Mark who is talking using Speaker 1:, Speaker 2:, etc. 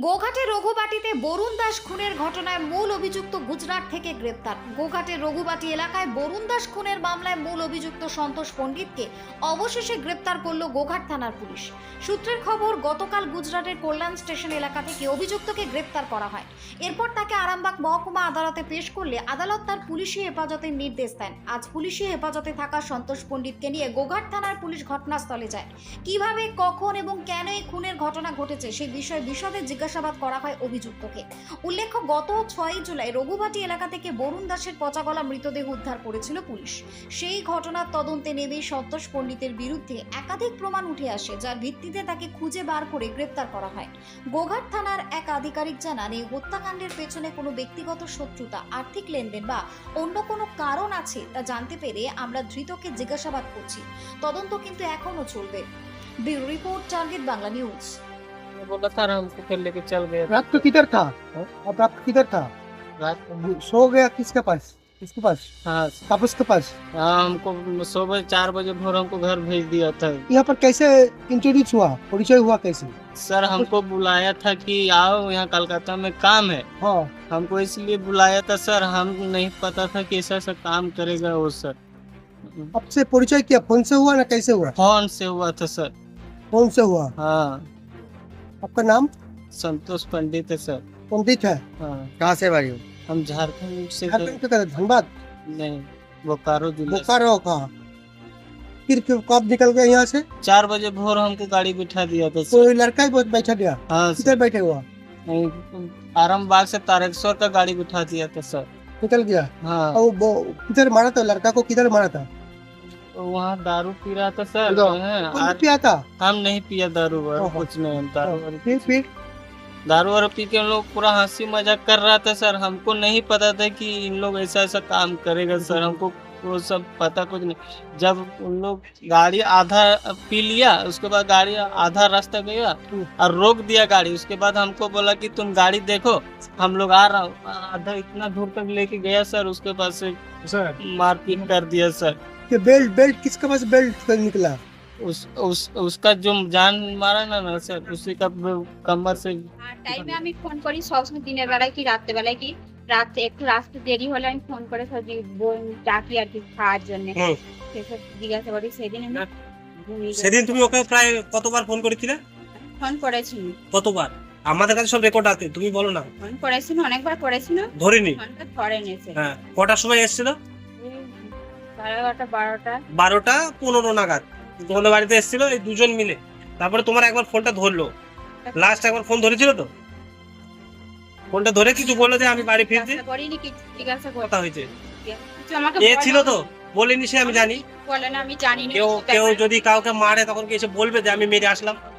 Speaker 1: গোঘাটে রঘুবাটিতে বরুণ দাস খুনের ঘটনায় মূল অভিযুক্ত গুজরাট থেকে গ্রেপ্তার। গোঘাটের রঘুবাটি এলাকায় বরুণ দাস খুনের মামলায় মূল অভিযুক্ত সন্তোষ পণ্ডিতকে অবশেষে গ্রেপ্তার করল গোঘাট থানার পুলিশ। সূত্রের খবর, গতকাল গুজরাটের কল্যাণ স্টেশন এলাকা থেকে অভিযুক্তকে গ্রেপ্তার করা হয়। এরপর তাকে আরামবাগ মহকুমা আদালতে পেশ করলে আদালত তার পুলিশি হেফাজতের নির্দেশ দেন। আজ পুলিশি হেফাজতে থাকা সন্তোষ পণ্ডিতকে নিয়ে গোঘাট থানার পুলিশ ঘটনাস্থলে যায়। কিভাবে, কখন এবং কেন এই খুনের ঘটনা ঘটেছে সেই বিষয়ে বিশদে জিজ্ঞাসাবাদ করা হয় অভিযুক্তকে। উল্লেখ্য, গত 6 জুলাই রঘুবাটি এলাকা থেকে বরুণ দাসের পচাগলা মৃতদেহ উদ্ধার করেছিল পুলিশ। সেই ঘটনার তদন্তে নেমে সন্তোষ পণ্ডিতের বিরুদ্ধে একাধিক প্রমাণ উঠে আসে, যার ভিত্তিতে তাকে খুঁজে বার করে গ্রেপ্তার করা হয়। গোঘাট থানার এক আধিকারিক জানান, এই হত্যাকাণ্ডের পেছনে কোনো ব্যক্তিগত শত্রুতা, আর্থিক লেনদেন বা অন্য কোনো কারণ আছে তা জানতে পেরে আমরা ধৃতকে জিজ্ঞাসাবাদ করছি। তদন্ত কিন্তু এখনো চলবে। Bureau report, target Bangla news.
Speaker 2: बोला था हमको फिर लेके चल गए।
Speaker 3: रात को किधर था? अब रात को किधर था?
Speaker 2: रात को
Speaker 3: सो गया किसके पास? किसके पास?
Speaker 2: हाँ
Speaker 3: तापस के पास।
Speaker 2: हमको सुबह 4 बजे भोर हमको घर भेज दिया था।
Speaker 3: यहाँ पर कैसे इंट्रोड्यूस हुआ, परिचय हुआ कैसे?
Speaker 2: सर हमको बुलाया था कि आओ यहाँ कलकत्ता में काम है,
Speaker 3: हाँ,
Speaker 2: हमको इसलिए बुलाया था सर। हम नहीं पता था कि ऐसा ऐसा काम करेगा वो सर।
Speaker 3: आपसे परिचय किया, फोन से हुआ ना कैसे हुआ?
Speaker 2: फोन से हुआ था सर।
Speaker 3: फोन से हुआ।
Speaker 2: हाँ,
Speaker 3: आपका नाम
Speaker 2: संतोष पंडित है सर।
Speaker 3: पंडित है।
Speaker 2: हाँ,
Speaker 3: कहाँ से भाई?
Speaker 2: हम झारखंड से
Speaker 3: झारखंड के तरफ, धनबाद,
Speaker 2: नहीं, बोकारो जिला से।
Speaker 3: बोकारो का। फिर कब निकल गए यहाँ से?
Speaker 2: 4 बजे भोर हमको गाड़ी बिठा दिया था सर।
Speaker 3: कोई लड़का ही बहुत बैठा गया,
Speaker 2: हाँ
Speaker 3: किधर
Speaker 2: सर,
Speaker 3: बैठे हुआ?
Speaker 2: आरामबाग से तारकेश्वर का गाड़ी बिठा दिया था सर।
Speaker 3: निकल गया।
Speaker 2: हाँ,
Speaker 3: और वो किधर मारा था? लड़का को किधर मारा था?
Speaker 2: वहाँ दारू पी रहा था सर। हैं,
Speaker 3: कौन
Speaker 2: आज
Speaker 3: पिया था?
Speaker 2: हम नहीं पिया दारू वारू,
Speaker 3: ओहो।
Speaker 2: कुछ नहीं। हम
Speaker 3: फिर
Speaker 2: दारू वारू पी के हम लोग पूरा हंसी मजाक कर रहा था सर। हमको नहीं पता था कि इन लोग ऐसा ऐसा काम करेगा सर। हमको वो सब पता कुछ नहीं। जब उन लोग गाड़ी आधा पी लिया, उसके बाद गाड़ी आधा रास्ता गया और रोक दिया गाड़ी। उसके बाद हमको बोला कि तुम गाड़ी देखो, हम लोग आ रहा हूँ। आधा इतना दूर तक लेके गया सर, उसके बाद से मारपीट कर दिया सर।
Speaker 3: कि बेल्ट किसके पास बेल्ट निकला?
Speaker 2: उसका जो जान मारा ना सर, उसी का कमर से।
Speaker 4: টাইমে আমি ফোন করি সবসময়, দিনের বেলায় কি রাত্রে বেলায় কি, রাতে একটু রাস্তা দেরি হলে আমি ফোন করে সবজি ডাকি আর কি খাওয়ার জন্য। সেসব জিজ্ঞাসা করি। সেদিন আমি ঘুমিয়ে
Speaker 5: সেদিন তুমি ওকে প্রায় কতবার ফোন করেছিলে?
Speaker 4: ফোন করেছি।
Speaker 5: কতবার? আমাদের কাছে সব রেকর্ড আছে, তুমি বলো না।
Speaker 4: ফোন করেছিল, অনেকবার করেছিল।
Speaker 5: ধরিনি।
Speaker 4: ফোনটা ধরে নিয়েছে।
Speaker 5: হ্যাঁ, কটার সময় এসেছিল?
Speaker 4: 11:30 12টা।
Speaker 5: 12:15 নাগাদ তোমাদের বাড়িতে এসেছিল এই দুজন মিলে। তারপরে তোমার একবার ফোনটা ধরলো, লাস্ট একবার ফোন ধরেছিল তো? ফোনটা ধরে কিছু বললো যে আমি বাড়ি ফিরছি,
Speaker 4: জিজ্ঞাসা করিনি, কিছু জিজ্ঞাসা
Speaker 5: কথা
Speaker 4: করতে
Speaker 5: হয়েছে।
Speaker 4: কিছু আমাকে
Speaker 5: এ ছিল তো? বলেনি সে, আমি জানি।
Speaker 4: বলে না, আমি জানি না।
Speaker 5: কেউ যদি কাউকে মারে তখন কি এসে বলবে যে আমি মেরে আসলাম?